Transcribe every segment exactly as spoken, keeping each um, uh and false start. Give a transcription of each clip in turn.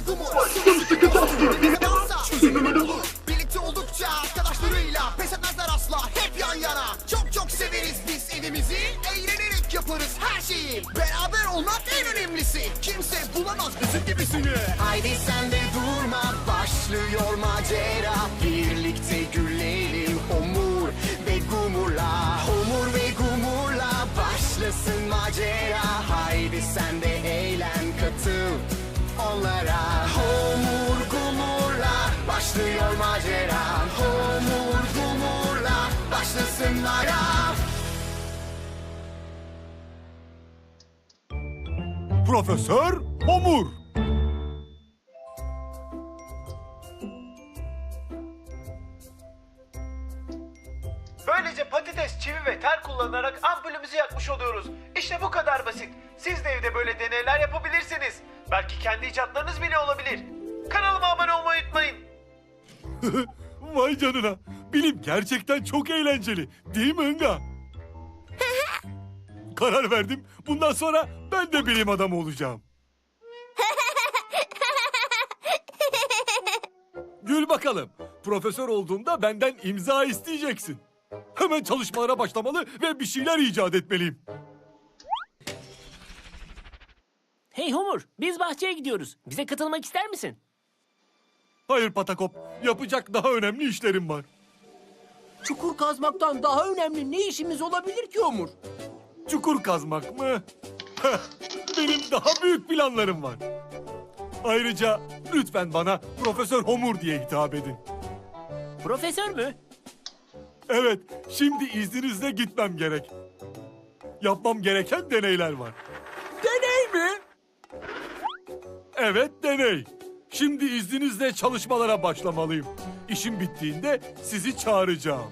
Gumur sıkı sıkı tatlı bir dansa çözümü bulur. Birlikte oldukça arkadaşlarıyla pes etmezler asla, hep yan yana. Çok çok severiz biz evimizi, eğlenerek yaparız her şeyi. Beraber olmak en önemlisi, kimse bulamaz bizim gibisini. Haydi sen de durma, başlıyor macera. Birlikte gülelim Homur ve Gumur'la. Homur ve Gumur'la başlasın macera. Haydi sen de eğlen, katıl onlara. Homur Gumur'la başlıyor macera. Homur Gumur'la başlasın macera. Profesör Homur. Böylece patates, çivi ve tel kullanarak ampulümüzü yakmış oluyoruz. İşte bu kadar basit. Siz de evde böyle deneyler yapabilirsiniz. Belki kendi icatlarınız bile olabilir. Kanalıma abone olmayı unutmayın. Vay canına. Bilim gerçekten çok eğlenceli. Değil mi Inga? Karar verdim. Bundan sonra ben de bilim adamı olacağım. Gül bakalım. Profesör olduğumda benden imza isteyeceksin. Hemen çalışmalara başlamalı ve bir şeyler icat etmeliyim. Hey Homur, biz bahçeye gidiyoruz. Bize katılmak ister misin? Hayır Patakop. Yapacak daha önemli işlerim var. Çukur kazmaktan daha önemli ne işimiz olabilir ki Homur? Çukur kazmak mı? Heh, benim daha büyük planlarım var. Ayrıca lütfen bana Profesör Homur diye hitap edin. Profesör mü? Evet, şimdi izninizle gitmem gerek. Yapmam gereken deneyler var. Deney mi? Evet, deney. Şimdi izninizle çalışmalara başlamalıyım. İşim bittiğinde sizi çağıracağım.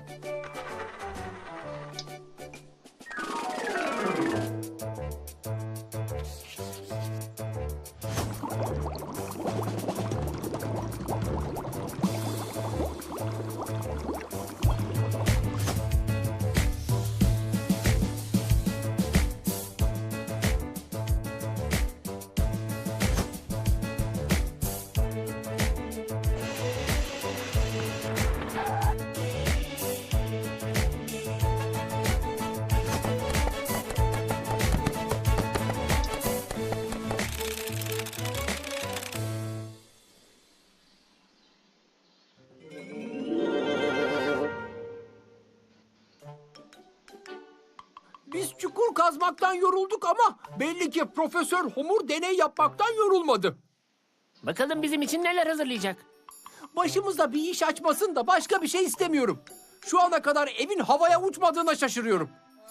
Biz çukur kazmaktan yorulduk ama belli ki Profesör Homur deney yapmaktan yorulmadı. Bakalım bizim için neler hazırlayacak. Başımızda bir iş açmasın da başka bir şey istemiyorum. Şu ana kadar evin havaya uçmadığına şaşırıyorum.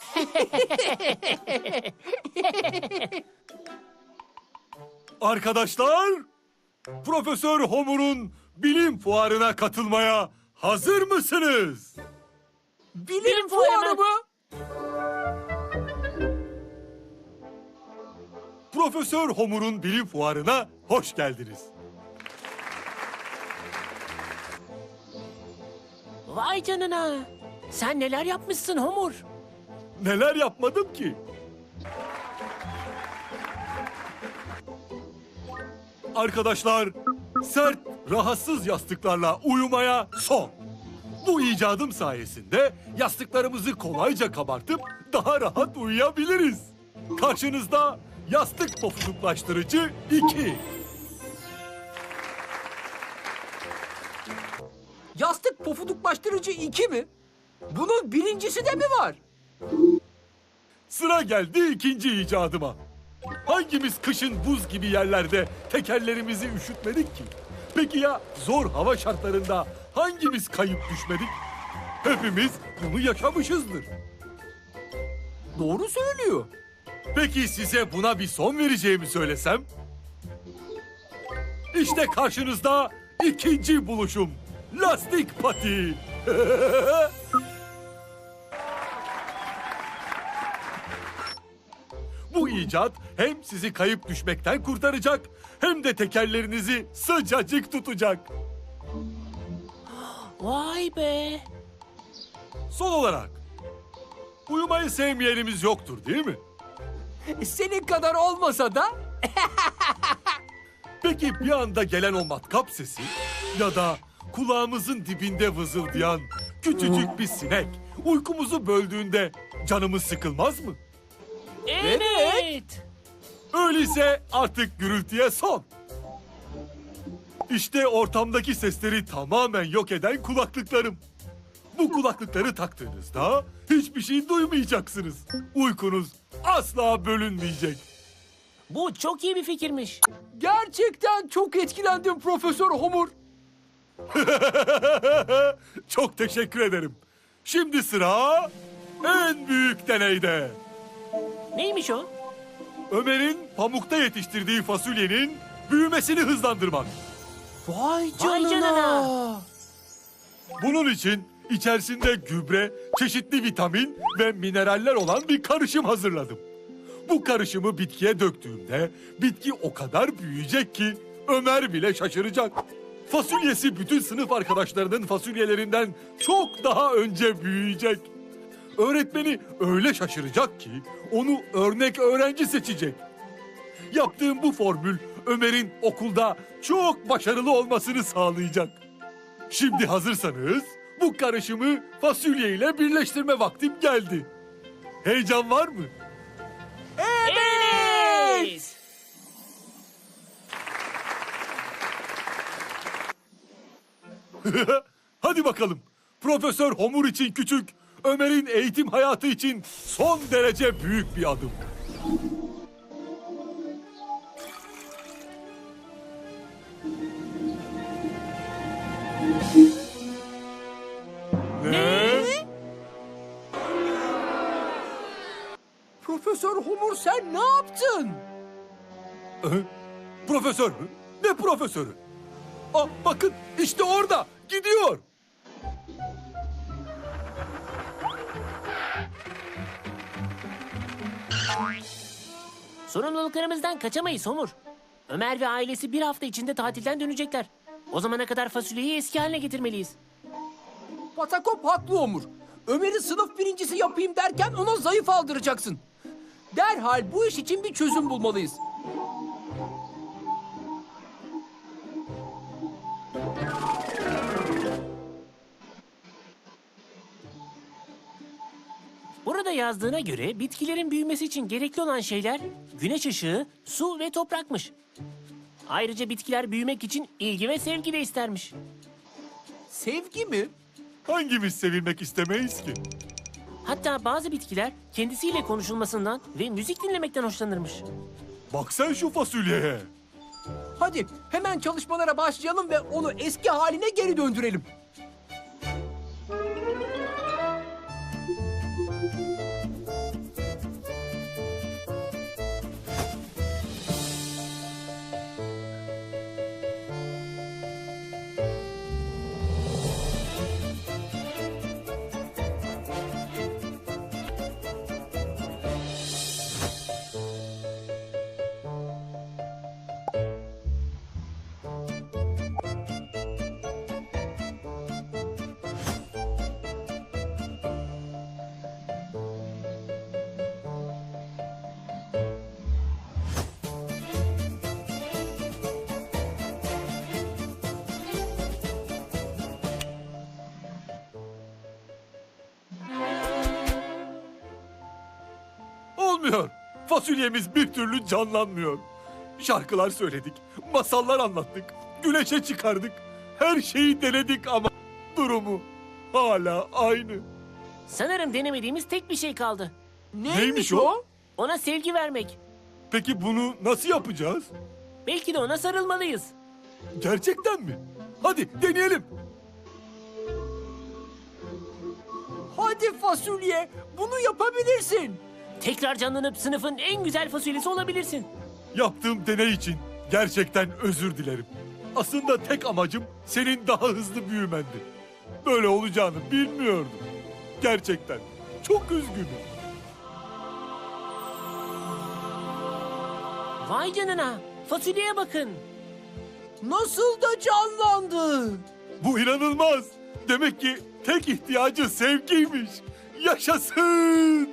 Arkadaşlar, Profesör Homur'un bilim fuarına katılmaya hazır mısınız? Bilim, Bilim fuarı fuarı mı? mı? Profesör Homur'un bilim fuarına hoş geldiniz. Vay canına. Sen neler yapmışsın Homur? Neler yapmadım ki? Arkadaşlar, sert, rahatsız yastıklarla uyumaya son. Bu icadım sayesinde yastıklarımızı kolayca kabartıp daha rahat uyuyabiliriz. Karşınızda yastık pofuduklaştırıcı iki. Yastık pofuduklaştırıcı iki mi? Bunun birincisi de mi var? Sıra geldi ikinci icadıma. Hangimiz kışın buz gibi yerlerde tekerlerimizi üşütmedik ki? Peki ya zor hava şartlarında hangimiz kayıp düşmedik? Hepimiz bunu yaşamışızdır. Doğru söylüyor. Peki size buna bir son vereceğimi söylesem? İşte karşınızda ikinci buluşum. Lastik pati. Bu icat hem sizi kayıp düşmekten kurtaracak hem de tekerlerinizi sıcacık tutacak. Vay be. Son olarak uyumayı sevmeyenimiz yoktur değil mi? Senin kadar olmasa da Peki bir anda gelen o matkap sesi ya da kulağımızın dibinde vızıldayan küçücük bir sinek uykumuzu böldüğünde canımız sıkılmaz mı? Evet. Öyleyse artık gürültüye son. İşte ortamdaki sesleri tamamen yok eden kulaklıklarım. Bu kulaklıkları taktığınızda hiçbir şey duymayacaksınız. Uykunuz asla bölünmeyecek. Bu çok iyi bir fikirmiş. Gerçekten çok etkilendim Profesör Homur. Çok teşekkür ederim. Şimdi sıra en büyük deneyde. Neymiş o? Ömer'in pamukta yetiştirdiği fasulyenin büyümesini hızlandırmak. Vay Vay canına. canına. Bunun için içerisinde gübre, çeşitli vitamin ve mineraller olan bir karışım hazırladım. Bu karışımı bitkiye döktüğümde bitki o kadar büyüyecek ki Ömer bile şaşıracak. Fasulyesi bütün sınıf arkadaşlarının fasulyelerinden çok daha önce büyüyecek. Öğretmeni öyle şaşıracak ki onu örnek öğrenci seçecek. Yaptığım bu formül Ömer'in okulda çok başarılı olmasını sağlayacak. Şimdi hazırsanız bu karışımı fasulye ile birleştirme vaktim geldi. Heyecan var mı? Evet. Hadi bakalım. Profesör Homur için küçük, Ömer'in eğitim hayatı için son derece büyük bir adım. Ne? Profesör Homur sen ne yaptın? Hı? Profesör mü? Ne profesörü? Aa, bakın işte orada gidiyor. Sorumluluklarımızdan kaçamayız Homur. Ömer ve ailesi bir hafta içinde tatilden dönecekler. O zamana kadar fasulyeyi eski haline getirmeliyiz. Patakop haklı Homur. Ömer'i sınıf birincisi yapayım derken ona zayıf aldıracaksın. Derhal bu iş için bir çözüm bulmalıyız. Burada yazdığına göre bitkilerin büyümesi için gerekli olan şeyler güneş ışığı, su ve toprakmış. Ayrıca bitkiler büyümek için ilgi ve sevgi de istermiş. Sevgi mi? Hangimiz sevilmek istemeyiz ki? Hatta bazı bitkiler kendisiyle konuşulmasından ve müzik dinlemekten hoşlanırmış. Bak sen şu fasulyeye. Hadi hemen çalışmalara başlayalım ve onu eski haline geri döndürelim. Olmuyor. Fasulyemiz bir türlü canlanmıyor. Şarkılar söyledik, masallar anlattık, güneşe çıkardık. Her şeyi denedik ama durumu hala aynı. Sanırım denemediğimiz tek bir şey kaldı. Neymiş o? Ona sevgi vermek. Peki bunu nasıl yapacağız? Belki de ona sarılmalıyız. Gerçekten mi? Hadi deneyelim. Hadi fasulye, bunu yapabilirsin. Tekrar canlanıp sınıfın en güzel fasulyesi olabilirsin. Yaptığım deney için gerçekten özür dilerim. Aslında tek amacım senin daha hızlı büyümendi. Böyle olacağını bilmiyordum. Gerçekten çok üzgünüm. Vay canına. Fasulyeye bakın. Nasıl da canlandı. Bu inanılmaz. Demek ki tek ihtiyacı sevgiymiş. Yaşasın.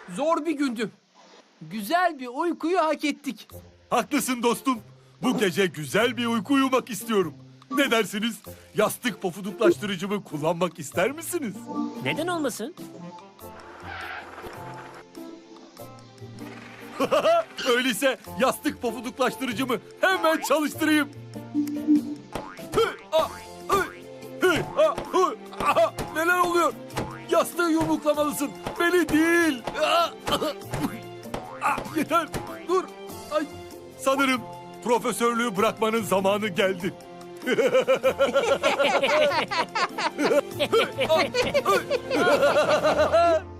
Zor bir gündü. Güzel bir uykuyu hak ettik. Haklısın dostum. Bu gece güzel bir uyku uyumak istiyorum. Ne dersiniz? Yastık pofuduklaştırıcımı kullanmak ister misiniz? Neden olmasın? Öyleyse yastık pofuduklaştırıcımı hemen çalıştırayım. Hı, ah, hı, hı, ah, hı, aha, neler oluyor? Yastığı yumruklamalısın. Beni değil. Ah, ah, ah, yeter. Dur. Ay. Sanırım profesörlüğü bırakmanın zamanı geldi. Ah, ah,